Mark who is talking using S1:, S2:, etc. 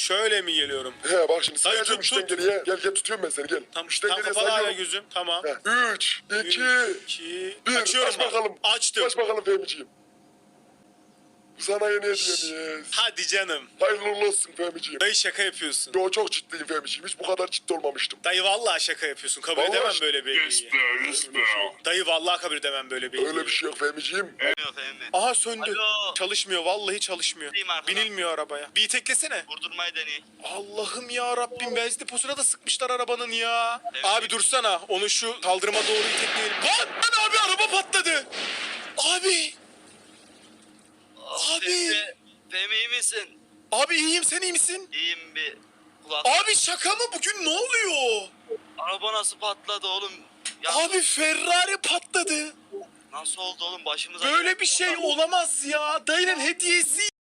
S1: Şöyle mi geliyorum?
S2: He bak şimdi
S1: Dayı
S2: sayacağım
S1: tut,
S2: 3'ten
S1: tut.
S2: geriye. Gel tutuyorum ben seni gel.
S1: Tam
S2: 3'ten geriye
S1: kapalı hala
S2: sayıyorum.
S1: gözüm. Tamam.
S2: 3, 2,
S1: 2.
S2: 1.
S1: Açıyorum
S2: Aç
S1: bak.
S2: bakalım.
S1: Açtım.
S2: Aç bakalım Fehmiciğim. Sana yeni hediyemiz.
S1: Hadi canım.
S2: Hayırlı uğurlu olsun Fehmiciğim.
S1: Dayı şaka yapıyorsun.
S2: Yo çok ciddiyim Fehmiciğim. Hiç bu kadar ciddi olmamıştım.
S1: Dayı vallahi şaka yapıyorsun. Kabul
S2: Vallahi
S1: edemem böyle bir
S3: Yes
S1: hediyeyi.
S3: be, yes be.
S1: Dayı vallahi kabul edemem böyle bir hediyeyi.
S2: Öyle bir şey yok Fehmiciğim.
S3: Yok Fehmi.
S1: Aha söndü.
S3: Alo.
S1: Çalışmıyor vallahi çalışmıyor.
S3: Bineyim arkadan.
S1: Binilmiyor arabaya. Bir teklesene.
S3: Vurdurmayı deney.
S1: Allah'ım ya Rabbim, benzin deposuna da sıkmışlar arabanın ya.
S3: Evet.
S1: Abi dursana, onu şu kaldırıma doğru itekleyelim. Lan abi araba patladı. Abi. Abi.
S3: Fehmi iyi misin?
S1: Abi iyiyim, sen iyi misin?
S3: İyiyim bir. Kulak.
S1: Abi şaka mı, bugün ne oluyor?
S3: Araba nasıl patladı oğlum? Ya
S1: Abi Ferrari patladı.
S3: nasıl oldu oğlum başımıza?
S1: Böyle bir şey olamaz ya. Dayının hediyesi.